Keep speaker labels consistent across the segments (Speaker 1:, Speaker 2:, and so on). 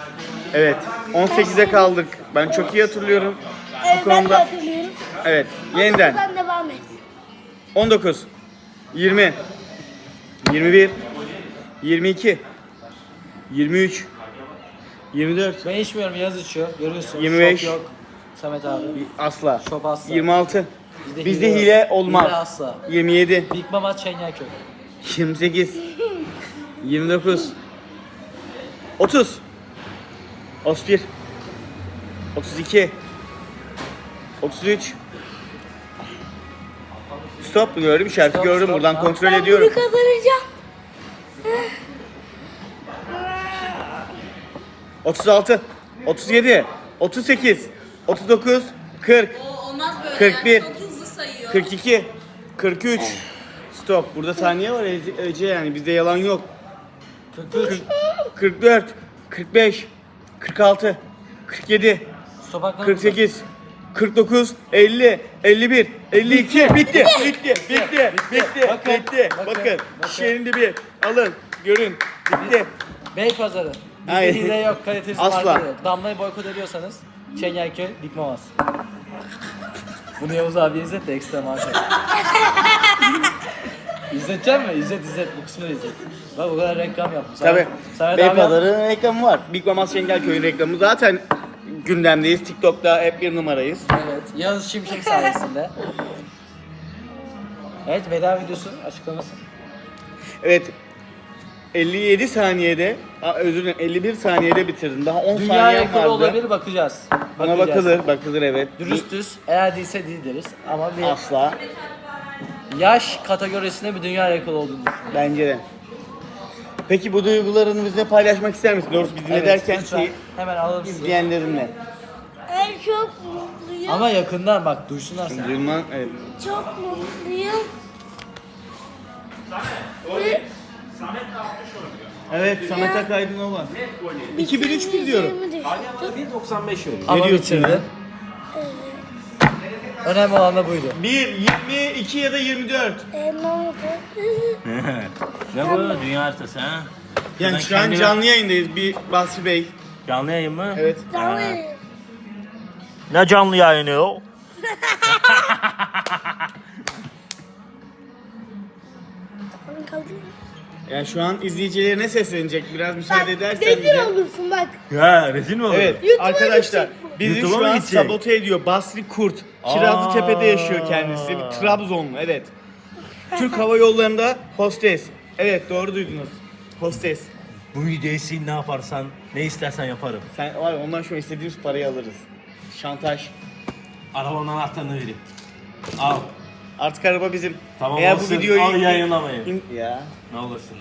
Speaker 1: Evet. 18'e kaldık. Ben çok iyi hatırlıyorum. Bu
Speaker 2: Ben de
Speaker 1: konuda.
Speaker 2: hatırlıyorum.
Speaker 1: Evet. Yeniden.
Speaker 2: Sen devam et.
Speaker 1: 19 20 21 22 23 24
Speaker 3: Ben içmiyorum, Yaz içiyor. Görüyorsun.
Speaker 1: 25.
Speaker 3: Şop yok. Samet abi.
Speaker 1: asla
Speaker 3: Şop asla.
Speaker 1: 26
Speaker 3: Bizde
Speaker 1: bizde
Speaker 3: hile
Speaker 1: hile
Speaker 3: yok.
Speaker 1: olmaz.
Speaker 3: Hile asla.
Speaker 1: 27
Speaker 3: Big Mama Çengelköy.
Speaker 1: 28 29 30 31 32 33 Stop gördüm, işareti
Speaker 3: Stop,
Speaker 1: gördüm.
Speaker 3: stop.
Speaker 1: Buradan
Speaker 3: Ha.
Speaker 1: kontrol
Speaker 2: Ben
Speaker 1: ediyorum.
Speaker 2: bunu kazanacağım.
Speaker 1: 36 37 38 39 40
Speaker 4: Olmaz böyle
Speaker 1: 41.
Speaker 4: yani. Çok hızlı sayıyor.
Speaker 1: 42 43 Stop. Burada saniye var Ece, yani bizde yalan yok.
Speaker 3: 43.
Speaker 1: 44 45 46 47
Speaker 3: Stop hakkında
Speaker 1: 48 49 50 51 52 bitti bitti bitti bitti
Speaker 3: Bakın,
Speaker 1: bitti.
Speaker 3: bakın,
Speaker 1: Bakın
Speaker 3: bakın.
Speaker 1: şişenin dibi alın görün bitti.
Speaker 3: Beypazarı. Bizde
Speaker 1: Hayır.
Speaker 3: hile yok, kalitesiz
Speaker 1: Asla.
Speaker 3: marka yok. Damlayı boykot ediyorsanız Çengelköy, Big Mamas. Bunu Yavuz abi izlet de ekstra maaş al. İzletecek mi? İzlet. Bu kısmını izlet. Bak o kadar reklam yaptım.
Speaker 1: Tabii.
Speaker 3: Samet abi yap.
Speaker 1: Beypazarı'nın reklamı var. Big Mamas Şengelköy'ün reklamı zaten gündemdeyiz. TikTok'ta hep bir numarayız.
Speaker 3: Evet. Yağız Şimşek sayesinde. Evet, veda videosu açıklaması.
Speaker 1: Evet. 57 saniyede, özür dilerim 51 saniyede bitirdim. Daha 10
Speaker 3: Dünya
Speaker 1: saniyem
Speaker 3: rekoru
Speaker 1: vardı.
Speaker 3: olabilir, bakacağız.
Speaker 1: Buna bakılır evet.
Speaker 3: Dürüstüz. Eğer değilse değil deriz. Ama bir
Speaker 1: Asla.
Speaker 3: yaş kategorisinde bir dünya rekoru olduğunu düşünüyorum.
Speaker 1: Bence de. Peki bu duygularını bizle paylaşmak ister misin? Doğrusu biz ne derken
Speaker 3: lütfen.
Speaker 1: ki
Speaker 3: Hemen alalım sizi.
Speaker 1: izleyenlerinle.
Speaker 2: Ben çok mutluyum.
Speaker 3: Ama yakından bak, duysunlar seni.
Speaker 1: Duyman, evet.
Speaker 2: Çok mutluyum.
Speaker 1: Evet, Samet Akaydınova. 2003 diyorum.
Speaker 5: 1.95 öyle.
Speaker 3: Ama
Speaker 1: diyorsun
Speaker 3: bitirdi.
Speaker 1: ya?
Speaker 3: Önemli olan da buydu.
Speaker 1: 1, 22 ya da 24.
Speaker 2: Ne oldu?
Speaker 5: Ne bu dünya haritası ha?
Speaker 1: Yani
Speaker 5: Ben
Speaker 1: şu an
Speaker 5: kendime-
Speaker 1: canlı yayındayız. Bir Basri Bey.
Speaker 5: Canlı yayın mı?
Speaker 1: Evet.
Speaker 2: Tamam.
Speaker 5: Ne canlı yayını o?
Speaker 1: Yani şu an izleyicilerine seslenecek. Biraz müsaade edersen
Speaker 2: Rezil
Speaker 1: bize.
Speaker 2: olursun bak.
Speaker 5: Ya rezil mi olur?
Speaker 1: Evet
Speaker 2: YouTube'a
Speaker 1: arkadaşlar
Speaker 2: gidecek
Speaker 1: bizi
Speaker 5: YouTube'a
Speaker 1: şu
Speaker 5: mı
Speaker 1: an
Speaker 5: gidecek?
Speaker 1: sabote ediyor Basri Kurt. Kirazlıtepe'de yaşıyor kendisi. Bir Trabzonlu, evet. Türk Hava Yolları'nda hostes. Evet, doğru duydunuz. Hostes.
Speaker 5: Bu videoyu sil, ne yaparsan, ne istersen yaparım.
Speaker 1: Sen var ya, ondan sonra istediğimiz parayı alırız. Şantaj.
Speaker 5: Arabanın anahtarını vereyim. Al.
Speaker 1: Artık araba bizim.
Speaker 5: Tamam
Speaker 1: Eğer
Speaker 5: olsun.
Speaker 1: bu videoyu
Speaker 5: Al, yayınlamayın.
Speaker 1: Ya.
Speaker 5: Ne olursun.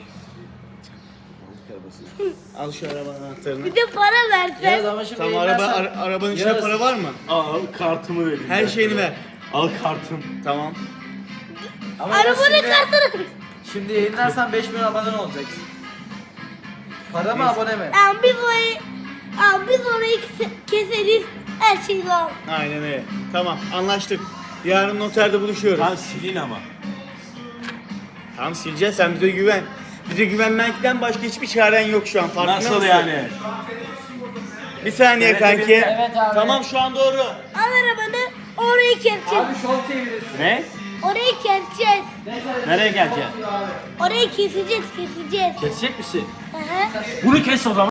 Speaker 1: Al şu arabanın anahtarını.
Speaker 2: Bir de para
Speaker 3: Yağız
Speaker 2: versen.
Speaker 3: ama şimdi
Speaker 1: Tamam
Speaker 3: yayınlarsan-
Speaker 1: arabanın içinde
Speaker 3: Yağız,
Speaker 1: para var mı?
Speaker 5: Al kartımı vereyim.
Speaker 1: Her şeyini ver.
Speaker 5: Al kartım.
Speaker 1: Tamam.
Speaker 3: Ama Yağız
Speaker 2: Arabanın
Speaker 3: şimdi-
Speaker 2: kartını.
Speaker 3: Şimdi yayınlarsan 5 milyon abone olacaksın. Para mı, abone mi?
Speaker 2: Biz orayı keseriz. Her şey var.
Speaker 1: Aynen öyle. Tamam, anlaştık. Yarın noterde buluşuyoruz.
Speaker 5: Lan silin ama.
Speaker 1: Tamam, sileceğiz, sen bize güven. Bize güvenmekten başka hiçbir çaren yok şu an. Farkında
Speaker 5: Nasıl
Speaker 1: mısın?
Speaker 5: yani?
Speaker 1: Bir saniye
Speaker 5: Evet,
Speaker 1: kanki.
Speaker 3: evet abi.
Speaker 1: Tamam, şu an doğru.
Speaker 2: Al arabanı. Orayı keseceğiz.
Speaker 3: Abi şov çevirirsin.
Speaker 5: Ne?
Speaker 2: Orayı keseceğiz.
Speaker 5: Nereye geleceksin?
Speaker 2: Orayı keseceğiz.
Speaker 5: Kesecek misin?
Speaker 2: Hı hı.
Speaker 5: Bunu kes o zaman.